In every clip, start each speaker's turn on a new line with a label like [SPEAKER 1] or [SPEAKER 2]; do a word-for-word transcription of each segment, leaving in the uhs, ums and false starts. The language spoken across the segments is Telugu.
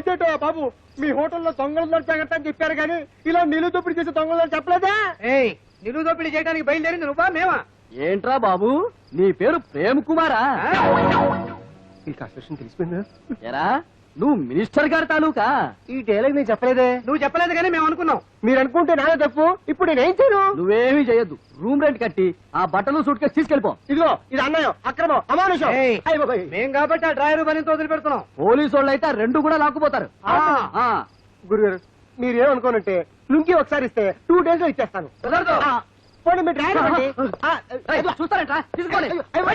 [SPEAKER 1] ఇదేటో బాబు మీ హోటల్లో దొంగలు జాగ్రత్త అని చెప్పారు కానీ ఇలా నిలువు దోపిడీ చేసే దొంగలు చెప్పలేదా?
[SPEAKER 2] నిలువు దోపిడీ చేయడానికి బయలుదేరింది నువ్వా మేమా?
[SPEAKER 3] ఏంట్రా బాబు నీ పేరు ప్రేమ్ కుమారా?
[SPEAKER 1] ఈ కాన్స్టిట్యూషన్ తెలిసిపోయిందా?
[SPEAKER 3] ఎరా నువ్వు మినిస్టర్ గారి తాలూకా?
[SPEAKER 1] ఈ డైలాగ్ నేను చెప్పలేదే.
[SPEAKER 2] నువ్వు చెప్పలేదు కానీ మేము అనుకున్నాం.
[SPEAKER 1] మీరు అనుకుంటే నాదే తప్పు. ఇప్పుడు నేనేం చేయను?
[SPEAKER 3] నువ్వేమీ చేయొద్దు. రూమ్ రెంట్ కట్టి ఆ బట్టలు సూట్ కేసు తీసుకెళ్ళిపో.
[SPEAKER 1] ఇదిగో ఇది అన్యాయం, అక్రమం, అమానుషం.
[SPEAKER 2] మేం కాబట్టి ఆ డ్రైవర్ పనితో వదిలిపెడుతున్నాం.
[SPEAKER 3] పోలీసు వాళ్ళు అయితే రెండు కూడా లాక్కుపోతారు.
[SPEAKER 1] గురుగారు మీరేమనుకోనంటే లుంకి ఒకసారి ఇస్తే టూ డేస్ లో ఇచ్చేస్తాను. పోనీ మీ డ్రైవర్ అండి.
[SPEAKER 3] చూస్తారంట తీసుకోండి.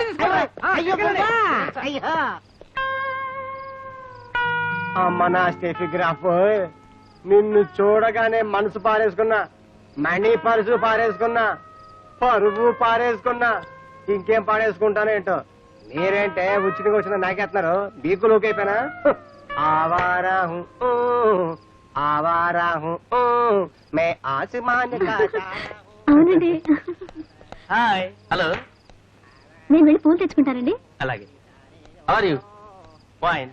[SPEAKER 1] అమ్మ నా స్టెఫిగ్రాఫ్, నిన్ను చూడగానే మనసు పారేసుకున్నా, మనీ పరుసు పారేసుకున్నా, పరువు పారేసుకున్నా, ఇంకేం పారేసుకుంటానేంటో. మీరేంటే ఉచితంగా వచ్చిన నాకేస్తున్నారు. బీకు లోకైపోయినా ఆవారా హూ ఆవారా హూ మే ఆసమాన్ కా.
[SPEAKER 4] అవునండి.
[SPEAKER 2] హాయ్. హలో.
[SPEAKER 4] నేను వెళ్ళి పూలు తెచ్చుకుంటానండి.
[SPEAKER 2] అలాగే. How are you? ఫైన్.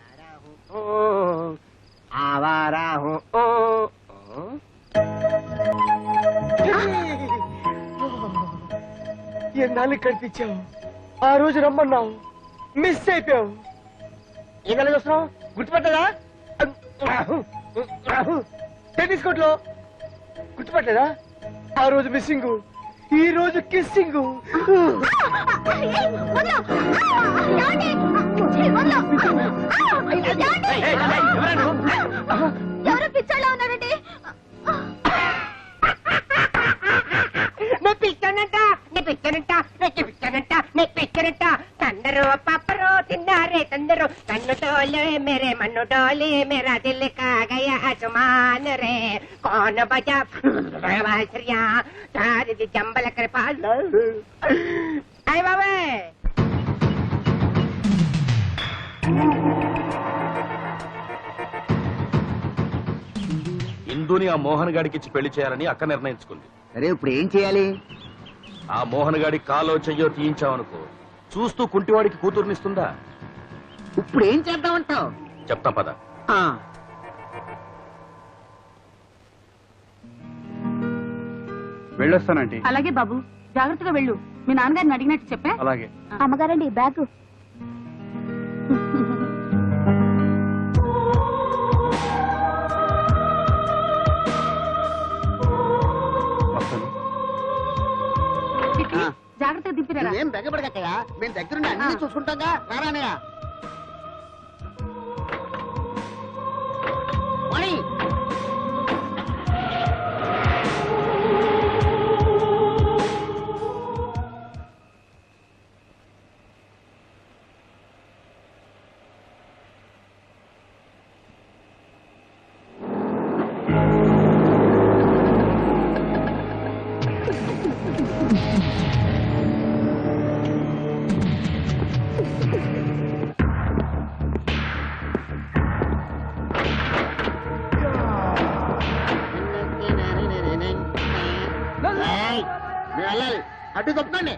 [SPEAKER 1] ఆవారా హూ. ఎన్నాళ్ళు కనిపించావు, ఆ రోజు రమ్మన్నావు, మిస్ అయిపోయావు. ఏదైనా చూస్తున్నావు, గుర్తుపట్టలేదా? టెన్నిస్ కోర్టులో గుర్తుపట్టలేదా? ఆ రోజు మిస్సింగ్, ఈ రోజు కిస్సింగ్.
[SPEAKER 4] ఎవరో పిచ్చోళ్ళ ఉన్నారండి.
[SPEAKER 5] నే పిచ్చానంట, నే పిచ్చానంట, నే పిచ్చానంట, నే పిచ్చానంట. తందరు పప్పరు తిన్నారే తందరు, కన్ను డోలే మేరే మన్ను డోలే మేరా దిల్ కా గయా ఆసమాన్ రే. కౌన్ బజా బాంసురియా సారి జంబల కృపాల్. అయ్ బాబే
[SPEAKER 6] ఇందుని ఆ మోహన్ గాడికి ఇచ్చి పెళ్లి చేయాలని అక్క నిర్ణయించుకుంది.
[SPEAKER 7] సరే ఇప్పుడు ఏం చేయాలి?
[SPEAKER 6] ఆ మోహన్ గాడి కాలో చెయ్యో తీయించావనుకో, చూస్తూ కుంటివాడికి కూతుర్నిస్తుందా?
[SPEAKER 7] ఇప్పుడు ఏం చేద్దామంటావు?
[SPEAKER 6] చెప్తా పద.
[SPEAKER 8] వెళ్ళొస్తానండి.
[SPEAKER 4] అలాగే బాబు, జాగ్రత్తగా వెళ్ళు. మీ నాన్నగారిని అడిగినట్టు చెప్పా.
[SPEAKER 8] అలాగే.
[SPEAKER 4] అమ్మగారండి బ్యాగ్. జాగ్రత్తగా దింపిరా.
[SPEAKER 7] ఏం బెగబడగక్కయ్యా, మేము దగ్గరుండి అన్ని చూసుకుంటాగా. రారానయ్యా. వెళ్ళాలి, అడ్డు తప్పకండి.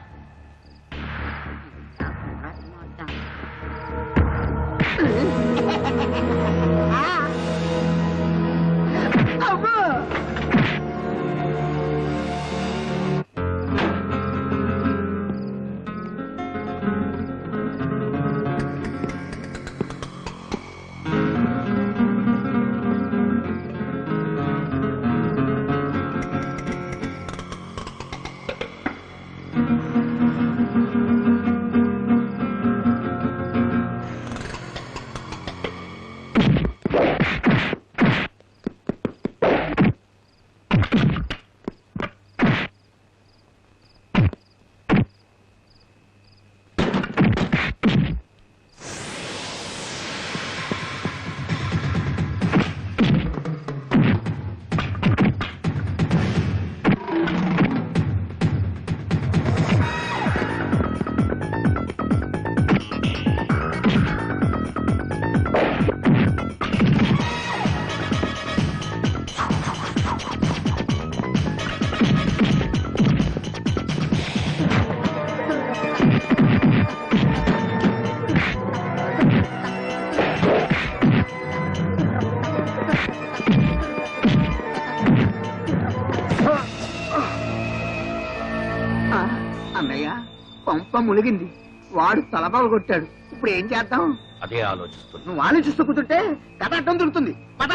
[SPEAKER 7] ములిగింది, వాడు తలపాలు కొట్టాడు. ఇప్పుడు ఏం చేద్దాం?
[SPEAKER 6] అదే ఆలోచిస్తున్నా.
[SPEAKER 7] నువ్వు ఆలోచిస్తూ కూర్చుంటే కథ అడ్డం దొరుకుతుంది. పద.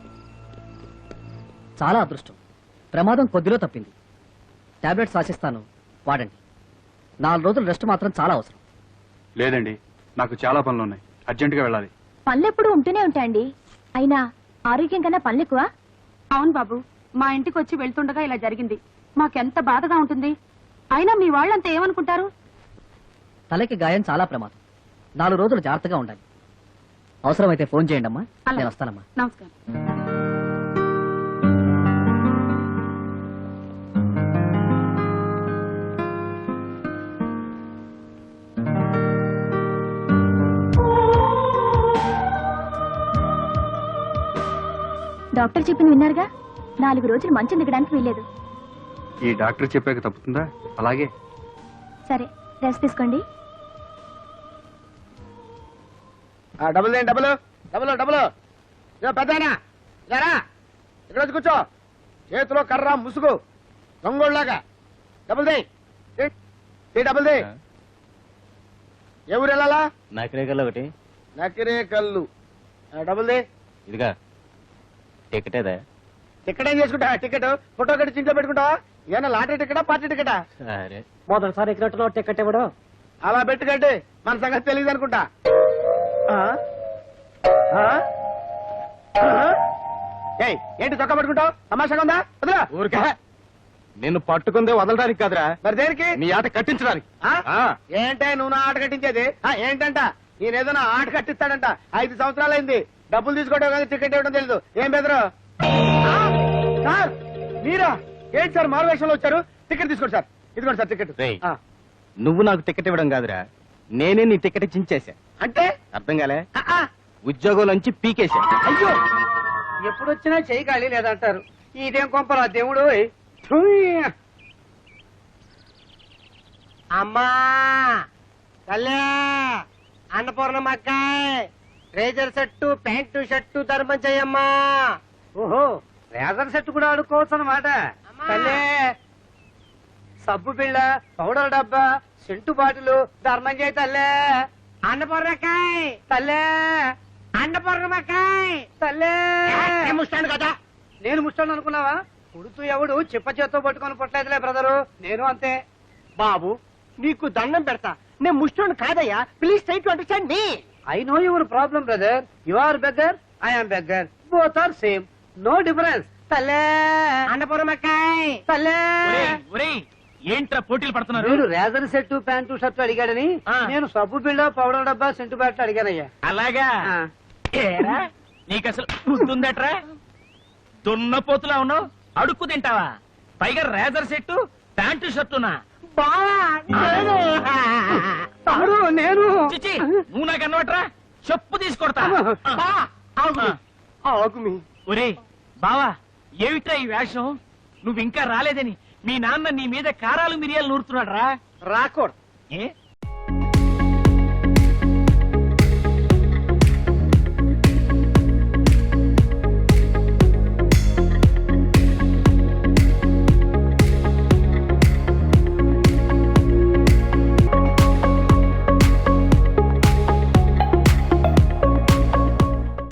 [SPEAKER 3] చాలా అదృష్టం, ప్రమాదం కొద్దిలో తప్పింది. టాబ్లెట్స్ రాసిస్తాను, వాడండి. నాలుగు రోజులు రెస్ట్ మాత్రం చాలా అవసరం.
[SPEAKER 8] లేదండి, నాకు చాలా పనులు ఉన్నాయి, అర్జెంటుగా వెళ్ళాలి.
[SPEAKER 4] పనులెప్పుడు ఉంటూనే ఉంటాయండి. అయినా ఆరోగ్యం కన్నా పనులు ఎక్కువ. అవును బాబు, మా ఇంటికి వచ్చి వెళ్తుండగా ఇలా జరిగింది. మాకెంత బాధగా ఉంటుంది. అయినా మీ వాళ్ళంతా ఏమనుకుంటారు?
[SPEAKER 3] తలకి గాయం చాలా ప్రమాదం. నాలుగు రోజులు జాగ్రత్తగా ఉండాలి. అవసరమైతే ఫోన్ చేయండి అమ్మా,
[SPEAKER 4] అలాగే.
[SPEAKER 3] నేను వస్తానమ్మా.
[SPEAKER 4] నమస్కారం. డాక్టర్ చెప్పిన విన్నారుగా, నాలుగు రోజులు మంచం దిగడానికి వీల్లేదు.
[SPEAKER 8] ఈ డాక్టర్ చెప్పాక తప్పుతుందా? అలాగే.
[SPEAKER 4] సరే, రెస్ట్ తీసుకోండి.
[SPEAKER 1] డబుల్ దేని డబుల్ డబుల్ డబుల్ పెద్దనా ఇలా ఇక్కడ వచ్చి కూర్చో. చేతిలో కర్ర ముసుగు దొంగోళ్ళలాగా డబుల్ దే డబుల్ దే. ఎవరు వెళ్ళాలా?
[SPEAKER 2] నకిరే కల్లు ఒకటి.
[SPEAKER 1] నకిరే కళ్ళు. డబుల్ దే.
[SPEAKER 2] ఇదిగా టికెటేదా?
[SPEAKER 1] టికెట్ ఏం చేసుకుంటా? టికెట్ ఫోటో కట్టి ఇంట్లో పెట్టుకుంటావా? ఏమన్నా లాటరీ టికెటా పార్టీ టికెటా?
[SPEAKER 2] సరే.
[SPEAKER 3] మొదటిసారి ఎక్కినట్టులో టికెట్ ఇవ్వడం.
[SPEAKER 1] అలా పెట్టుకండి, మన సంగతి తెలియదు అనుకుంటా. ఆ? ఆ? ఆ? ఏయ్, ఏంటి చొక్కా పట్టుకుంటావు? తమాషాగా ఉందా? వదిలా.
[SPEAKER 6] ఊరికే నిన్ను పట్టుకుందే వదలడానికి కాదురా,
[SPEAKER 1] మరి దేనికి?
[SPEAKER 6] నీ ఆట కట్టించడానికి.
[SPEAKER 1] ఆ?
[SPEAKER 6] ఆ.
[SPEAKER 1] ఏంటే నువ్వు నా ఆట కట్టించేది? ఆ, ఏంటంట? నేనేదో నా ఆట కట్టిస్తాడంట. ఐదు సంవత్సరాలైంది, డబ్బులు తీసుకోవడం కానీ టికెట్ ఇవ్వడం తెలీదు. ఏం బెదరు? ఆ? సార్ మీరా? ఏంటి సార్ మారువేషంలో వచ్చారు? టికెట్ తీసుకోండి సార్. ఇదిగోండి సార్ టికెట్.
[SPEAKER 2] రేయ్.
[SPEAKER 1] ఆ.
[SPEAKER 2] నువ్వు నాకు టికెట్ ఇవ్వడం కాదురా, నేనే నీ టికెట్ చించేశా.
[SPEAKER 1] అంటే
[SPEAKER 2] అర్థం కాలే?
[SPEAKER 1] ఆ, ఆ.
[SPEAKER 2] ఉద్యోగంలోంచి పీకేశా.
[SPEAKER 1] అయ్యో,
[SPEAKER 2] ఎప్పుడు వచ్చినా చెయ్యి ఖాళీ లేదంటారు. ఇదేం కొంపరా దేవుడు.
[SPEAKER 1] అమ్మా తల్లే అన్నపూర్ణమ్మక్కాయ్ రేజర్ సెట్టు ప్యాంటు షర్టు ధర్మం చెయ్యమ్మా.
[SPEAKER 2] ఓహో, రేజర్ సెట్ కూడా ఆడుకోవచ్చు అన్నమాట.
[SPEAKER 1] అమ్మా.
[SPEAKER 2] తల్లే, సబ్బు బిళ్ళ, పౌడర్ డబ్బా, సెంటు బాటిలు ధర్మం చేయి తల్లే.
[SPEAKER 1] అన్నపూర్ణకాయ్
[SPEAKER 2] తల్లే,
[SPEAKER 1] అన్నపూర్ణమ్మక్కాయ్
[SPEAKER 2] తల్లే.
[SPEAKER 1] ముస్తాను కదా.
[SPEAKER 2] నేను ముష్టాను అనుకున్నావా? పుడుతూ ఎవడు చిప్ప చేత్తో పట్టుకొని పుట్టలేదులే బ్రదరు, నేను అంతే.
[SPEAKER 1] బాబు నీకు దండం పెడతా, నేను ముష్టోని కాదయ్యా. Please try to understand me.
[SPEAKER 2] I know your problem brother. You are beggar, I am beggar, both are same, no difference. తల్లే,
[SPEAKER 1] అన్నపూర్ణమ్మక్కాయ్
[SPEAKER 2] తల్లే.
[SPEAKER 6] ఏంట్రా పోటీలు పడుతున్నారు?
[SPEAKER 2] మీరు రేజర్ సెట్ ప్యాంటు షర్ట్ అడిగాడని
[SPEAKER 6] ఆ.
[SPEAKER 2] నేను సబ్బు బిళ్ళ పౌడర్ డబ్బా సెంటు బ్యాట్లు అడిగానయ్యా.
[SPEAKER 6] అలాగా?
[SPEAKER 2] ఆ.
[SPEAKER 6] ఏరా, నీకు అసలు గుర్తుందట్రా? దున్నపోతులా ఉన్నావు, అడుక్కు తింటావా? పైగా రేజర్ సెట్టు ప్యాంటు షర్టునా?
[SPEAKER 1] బావా నేను.
[SPEAKER 2] తమ్ముడు నేను.
[SPEAKER 6] చిచి, నువ్వు నాకు అన్నవట్రా, చెప్పు తీసుకొడతా.
[SPEAKER 1] బా, ఆగు మీ. ఆగు మీ.
[SPEAKER 6] ఒరే బావా, ఏమిట్రా ఈ వేషం? నువ్వు ఇంకా రాలేదని మీ నాన్న నీ మీద కారాలు మిరియాలు నూరుతున్నాడు రా.
[SPEAKER 1] రాకూడదు.
[SPEAKER 6] ఏ